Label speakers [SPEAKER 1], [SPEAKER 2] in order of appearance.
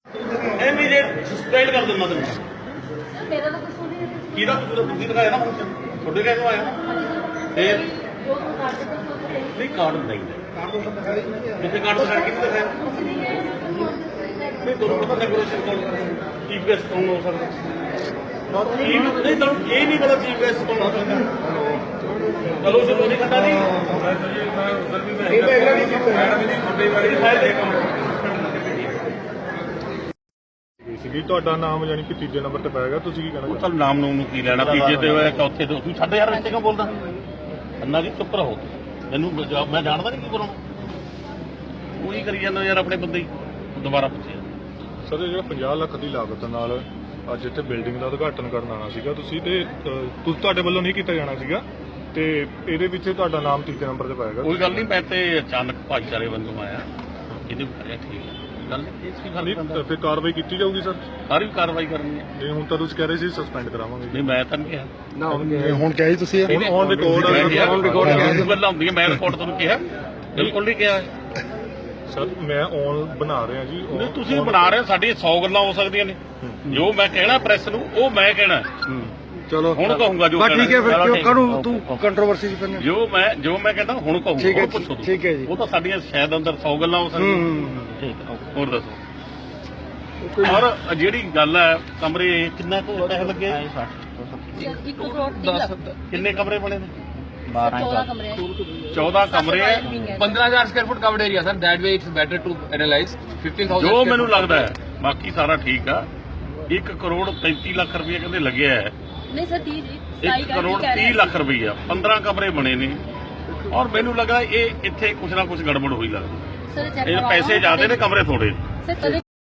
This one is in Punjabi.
[SPEAKER 1] ਇਮੀਡੀਏਟ ਸਸਪੈਂਡ ਕਰ ਦਿੰਦਾ ਤੈਨੂੰ।
[SPEAKER 2] ਮੇਰਾ ਤਾਂ ਕੁਝ ਨਹੀਂ ਹੈ।
[SPEAKER 1] ਕਿਹਦਾ ਤੁਸੀਂ ਦਿਖਾਇਆ ਨਾ ਫੰਕਸ਼ਨ ਤੁਹਾਡੇ ਕਹਿ ਤੋਂ ਆਇਆ ਨਾ ਫਿਰ
[SPEAKER 2] ਜੋ ਕਾਰਡ ਦੇ ਕੋਲ
[SPEAKER 1] ਨਹੀਂ ਕਾਰਡ ਨਹੀਂ ਜਿੱਥੇ ਕਾਰਡ ਦਿਖਾਇਆ ਕਿਹਨੇ ਦਿਖਾਇਆ ਨਹੀਂ ਤੁਹਾਨੂੰ ਪਤਾ ਡੈਕੋਰੇਸ਼ਨ ਕੋਲ ਚੀਫ ਗੈਸਟ ਕੌਣ ਹੋ ਸਕਦਾ ਨਹੀਂ ਤੁਹਾਨੂੰ ਇਹ ਨਹੀਂ ਪਤਾ ਚੀਫ ਗੈਸਟ ਕੌਣ ਹੋ ਸਕਦਾ ਚਲੋ ਸ਼ੁਰੂ ਨਹੀਂ ਕਰਦਾ ਜੀ
[SPEAKER 3] ਸੀਗੀ ਤੁਹਾਡਾ ਨਾਮ ਯਾਨੀ ਕਿ ਤੀਜੇ ਨੰਬਰ ਤੇ ਪਾਏਗਾ, ਤੁਸੀਂ ਕੀ ਕਹਿਣਾ?
[SPEAKER 1] ਚੱਲ ਨਾਮ ਨੂੰ ਕੀ ਲੈਣਾ ਤੀਜੇ ਤੇ ਹੋਇਆ ਚੌਥੇ ਤੇ ਤੂੰ ਸਾਡੇ ਯਾਰ ਵਿੱਚ ਕਿਉਂ ਬੋਲਦਾ ਅੰਨਾ ਜੀ ਚੁੱਪ ਰਹੋ ਮੈਨੂੰ ਮੈਂ ਜਾਣਦਾ ਨਹੀਂ ਕੀ ਕਰਾਉਣਾ ਉਹੀ ਕਰੀ ਜਾਂਦਾ ਯਾਰ ਆਪਣੇ ਬੰਦੇ ਹੀ ਦੁਬਾਰਾ ਪੁੱਛਿਆ
[SPEAKER 3] ਸਰ ਇਹ ਜਿਹੜਾ 50 ਲੱਖ ਦੀ ਲਾਗਤ ਨਾਲ ਅੱਜ ਇੱਥੇ ਬਿਲਡਿੰਗ ਦਾ ਉਦਘਾਟਨ ਕਰਨ ਆਉਣਾ ਸੀਗਾ ਤੁਸੀਂ ਤੇ ਤੁਹਾਡੇ ਵੱਲੋਂ ਨਹੀਂ ਕੀਤਾ ਜਾਣਾ ਸੀਗਾ ਤੇ ਇਹਦੇ ਵਿੱਚ ਤੁਹਾਡਾ ਨਾਮ ਤੀਜੇ ਨੰਬਰ ਤੇ ਪਾਏਗਾ।
[SPEAKER 1] ਕੋਈ ਗੱਲ ਨਹੀਂ ਮੈਂ ਤੇ ਅਚਾਨਕ ਭਾਈਚਾਰੇ ਵੱਲੋਂ ਆਇਆ ਇਹਦੇ ਬਾਰੇ ਠੀਕ ਹੈ ਗੱਲ ਇਸ ਕੀ ਗੱਲ
[SPEAKER 3] ਨਹੀਂ ਫਿਰ ਕਾਰਵਾਈ ਕੀਤੀ ਜਾਊਗੀ ਸਰ?
[SPEAKER 1] ਸਾਰੀ ਕਾਰਵਾਈ ਕਰਨੀ ਹੈ
[SPEAKER 3] ਨਹੀਂ ਹੁਣ ਤਾਂ ਤੁਸੀਂ ਕਹਿ ਰਹੇ ਸੀ ਸਸਪੈਂਡ ਕਰਾਵਾਂਗੇ।
[SPEAKER 1] ਨਹੀਂ ਮੈਂ ਤਾਂ ਨਹੀਂ ਕਿਹਾ
[SPEAKER 3] ਹੁਣ ਕਿਹਾ ਜੀ ਤੁਸੀਂ ਔਨ ਰਿਕਾਰਡ
[SPEAKER 1] ਗੱਲਾਂ ਹੁੰਦੀਆਂ ਮੈਂ ਰਿਕਾਰਡ ਤੁਹਾਨੂੰ ਕਿਹਾ ਬਿਲਕੁਲ ਨਹੀਂ ਕਿਹਾ
[SPEAKER 3] ਸਰ ਮੈਂ ਔਨ ਬਣਾ ਰਿਹਾ ਜੀ
[SPEAKER 1] ਨਹੀਂ ਤੁਸੀਂ ਬਣਾ ਰਹੇ ਸਾਡੀਆਂ 100 ਗੱਲਾਂ ਹੋ ਸਕਦੀਆਂ ਨੇ ਜੋ ਮੈਂ ਕਹਿਣਾ ਪ੍ਰੈਸ ਨੂੰ ਉਹ ਮੈਂ ਕਹਿਣਾ
[SPEAKER 4] ਚਲੋ
[SPEAKER 1] ਹੁਣ ਕਹੂੰਗਾ ਜੋ
[SPEAKER 4] ਠੀਕ ਹੈ ਫਿਰ ਕਿਉਂ ਕਾਹਨੂੰ ਤੂੰ ਕੰਟਰੋਵਰਸੀ ਚ ਪੈਣਾ
[SPEAKER 1] ਜੋ ਮੈਂ ਕਹਿੰਦਾ ਹੁਣ ਕਹੂੰਗਾ
[SPEAKER 4] ਠੀਕ ਹੈ
[SPEAKER 1] ਉਹ ਪੁੱਛੋ
[SPEAKER 4] ਠੀਕ ਹੈ ਜੀ
[SPEAKER 1] ਉਹ ਤਾਂ ਸਾਡੀਆਂ ਸ਼ਾਇਦ ਅੰਦਰ 100 ਗੱਲਾਂ ਹੋ ਸਕਦੀਆਂ ਠੀਕ ਹੈ ਹੋਰ ਦੱਸੋ ਔਰ ਜਿਹੜੀ ਗੱਲ ਹੈ ਕਮਰੇ ਕਿੰਨਾ ਕੁ ਪੈਸੇ ਲੱਗੇ
[SPEAKER 2] 1 ਕਰੋੜ 30 ਲੱਖ
[SPEAKER 1] ਕਿੰਨੇ ਕਮਰੇ ਬਣੇ ਨੇ
[SPEAKER 2] 14 ਕਮਰੇ
[SPEAKER 1] 14 ਕਮਰੇ
[SPEAKER 5] 15,000 square foot covered area, sir. That way it's better to analyze. 15,000.
[SPEAKER 1] ਜੋ ਮੈਨੂੰ ਲੱਗਦਾ ਹੈ ਬਾਕੀ ਸਾਰਾ ਠੀਕ ਆ 1 ਕਰੋੜ 33 ਲੱਖ ਰੁਪਏ ਕਹਿੰਦੇ ਲੱਗਿਆ ਹੈ
[SPEAKER 2] ਨਹੀਂ ਸਰ 30 ਜੀ
[SPEAKER 1] 1 ਕਰੋੜ 30 ਲੱਖ ਰੁਪਈਆ 15 ਕਮਰੇ ਬਣੇ ਨੇ ਔਰ ਮੈਨੂੰ ਲੱਗਾ ਇਹ ਇੱਥੇ ਕੁਛ ਨਾ ਕੁਛ ਗੜਬੜ ਹੋਈ ਲੱਗਦੀ
[SPEAKER 2] ਸਰ ਚੈੱਕ
[SPEAKER 1] ਇਹ ਪੈਸੇ ਜ਼ਿਆਦੇ ਨੇ ਕਮਰੇ ਥੋੜੇ
[SPEAKER 2] ਸਰ ਕਦੇ